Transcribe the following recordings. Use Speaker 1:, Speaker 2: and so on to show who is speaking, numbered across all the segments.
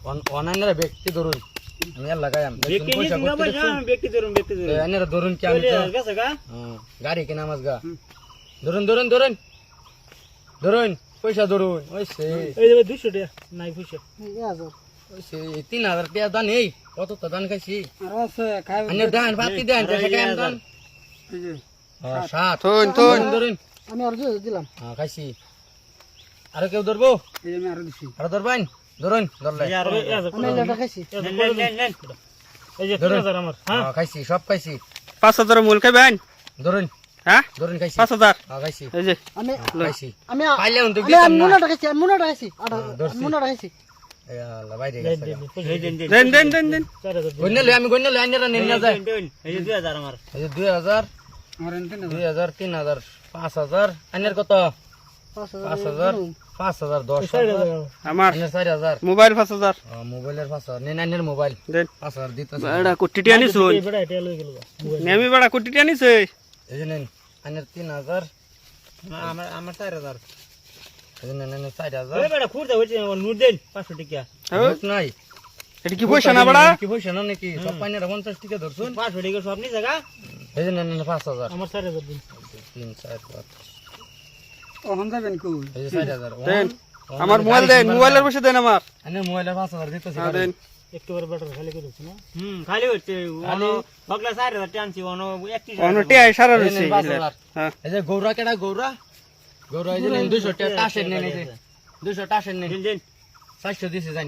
Speaker 1: অনাইনারা ব্যক্তি ধরুন আমি আর লাগাইম
Speaker 2: ব্যক্তি নিয়ে না ভাই ব্যক্তি ধরুন
Speaker 1: আইনারা ধরুন কি আমি
Speaker 2: গেছে গা
Speaker 1: গাড়ি কিনা মাছ গা ধরুন ধরুন ধরুন ধরুন পয়সা ধরুন ওইসে
Speaker 2: এই যে 200 টাকা নাই পয়সা
Speaker 1: ওইসে 3000 টাকা দান এই কত তো দান খাইছি
Speaker 3: আর আছে খাই
Speaker 1: আইনার দান বাতি দেন পয়সা কেন দান
Speaker 3: এই যে
Speaker 1: 7
Speaker 4: থুন
Speaker 1: ধরুন
Speaker 3: আমি আর দিলাম
Speaker 1: খাইছি আর কেউ ধরবো
Speaker 3: এই যে আমি আর দিছি
Speaker 1: আর ধরবেন ধরুন ধরলে
Speaker 3: আমি এটা খাইছি
Speaker 2: নেন এই যে 3000 আমার হ্যাঁ
Speaker 1: খাইছি সব খাইছি
Speaker 4: 5000 মূল খাইবেন
Speaker 1: ধরুন
Speaker 4: হ্যাঁ
Speaker 1: ধরুন খাইছি
Speaker 4: 5000
Speaker 1: খাইছি
Speaker 4: এই যে
Speaker 3: আমি
Speaker 1: খাইছি
Speaker 3: আমি
Speaker 1: পাইলে উন তো দিতাম না
Speaker 3: মুনাটা খাইছি মুনাটা খাইছি
Speaker 1: এই আল্লাহ বাইরে গেছে
Speaker 4: দেন
Speaker 2: 4000
Speaker 1: গন্নলে আমি গন্নলে আইনারা নিন না যায়
Speaker 2: এই যে 2000 আমার
Speaker 1: এই যে 2000
Speaker 3: আমার এনতে না
Speaker 1: 2000 3000 5000 আইনার কত 5000 5000 10000
Speaker 4: আমার
Speaker 1: আইনার 4000
Speaker 4: মোবাইল 5000
Speaker 1: মোবাইলের 5000 নেন আইনার মোবাইল
Speaker 4: দেন
Speaker 1: 5000 দিতেছে
Speaker 4: বড়া কোটিটি আনি শুন
Speaker 2: বেড়া এটা লই গেল
Speaker 4: নেমি বড়া কোটিটি আনিছে
Speaker 1: এই যে নেন আইনার 3000
Speaker 2: আমার 4000
Speaker 1: এই যে নেন আইনার 4000
Speaker 2: ওই বেড়া খুঁড়তে হইছে নোট দেন 500 টাকা
Speaker 1: নাই
Speaker 4: এটা কি পয়সা না বড়া
Speaker 1: কি পয়সা না নাকি সব পাইনারা 50 টাকা ধরছুন
Speaker 2: 500 টাকা সব নি জায়গা
Speaker 1: এই যে নেন 5000
Speaker 2: আমার 4000 দিন
Speaker 1: 3 4 5
Speaker 3: ও হন যাবেন কই
Speaker 1: এই যে 4000
Speaker 4: দেন আমার মোবাইল দেন মোবাইলের পয়সা দেন আমার
Speaker 1: আইনার মোবাইলের 5000 দিতেছে
Speaker 4: হ্যাঁ দেন
Speaker 2: একটু করে বেটার খালি করে দিছ না খালি হচ্ছে ওনো বগলা 4000 টানছি ওনো 31
Speaker 4: অনটি আই সারা রইছে হ্যাঁ
Speaker 1: এই যে গৌরা কেডা গৌরা গৌরা এই যে নেন 200 টাকা টাসের নেন এই যে 200 টাসের নেন
Speaker 2: দিন
Speaker 1: 400 দিছে জান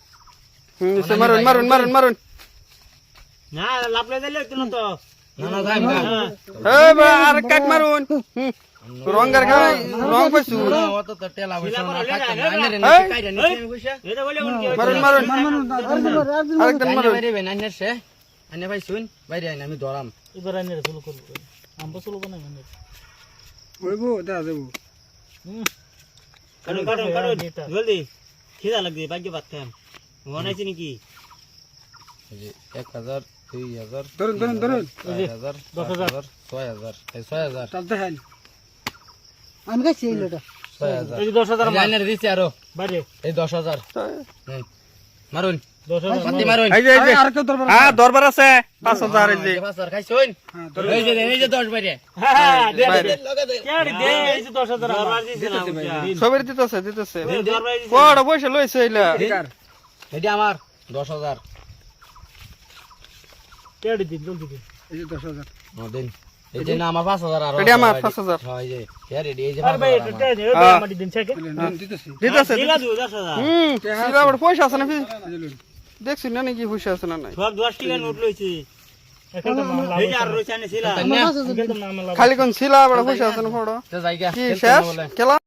Speaker 4: মারুন
Speaker 2: না লাভ লই দিলে তো না তো
Speaker 1: না না যাই
Speaker 4: এই বা আর কাট মারুন রঙের খাই রং পাইছু
Speaker 1: অত তো টেলা বসে না কাটতে না আইনার কাইরা নিছে পয়সা
Speaker 2: এটা বলে কোন কি
Speaker 4: মারুন
Speaker 1: আরেকটা মারুন বাইরে বেন আইনার সে আইনা ভাই শুন বাইরে আইনা আমি ধরাম
Speaker 2: এবার আইনে শুরু করব আমরা শুরু করব না মানে
Speaker 3: হইবো দা দেব
Speaker 2: কারণ জলদি খিদা লাগবে ভাগ্য ভাত খাম মনাইছি নাকি
Speaker 1: এই যে 1000 2000
Speaker 3: ধরুন
Speaker 1: 1000 10000 6000 এই 6000
Speaker 3: তাল দেন আমি খাইছি এই লোটা
Speaker 1: 6000
Speaker 2: এই 10000 আমার
Speaker 1: আইনার দিছে আরো
Speaker 2: বাইরে
Speaker 1: এই 10000 নেন মারুন
Speaker 2: 10000
Speaker 1: পাতি মারুন
Speaker 4: এই যে
Speaker 3: আর কেউ দরবার
Speaker 4: হ্যাঁ দরবার আছে 5000 এই যে
Speaker 1: 5000 খাইছুন এই যে 10 বাইরে
Speaker 2: হ্যাঁ দে
Speaker 4: বাইরে।
Speaker 2: কেড়ি দে এই যে 10000 আমার দিছে না
Speaker 4: সবের দিতেছে
Speaker 2: দরবার দিছে
Speaker 4: বড় পয়সা লইছে এইলা
Speaker 1: এটা আমার 10000
Speaker 2: কেড়ি দিন জলদি দিন
Speaker 3: এই যে 10000
Speaker 1: দিন এই যে না আমার 5000 আর
Speaker 4: এটা আমার 5000
Speaker 1: হ্যাঁ এই যে এই যে
Speaker 2: আর ভাই
Speaker 1: 5000
Speaker 2: এটা দে মাটি দিন থেকে
Speaker 3: দিতেছি
Speaker 4: দিতেছে
Speaker 2: দিলা 10000
Speaker 4: সিরা বড় পয়সা আছে না
Speaker 3: এই যে লুন
Speaker 4: দেখছিস না নাকি পয়সা আছে না নাই
Speaker 2: সব 10 টাকা নোট লইছি এখন তো মামলা এই আর রইছে না ছিলা
Speaker 1: না
Speaker 2: এখন তো মামলা
Speaker 4: খালি কোন সিলা বড় পয়সা আছে না বড়
Speaker 1: তো জায়গা
Speaker 4: কি শেষ খেলা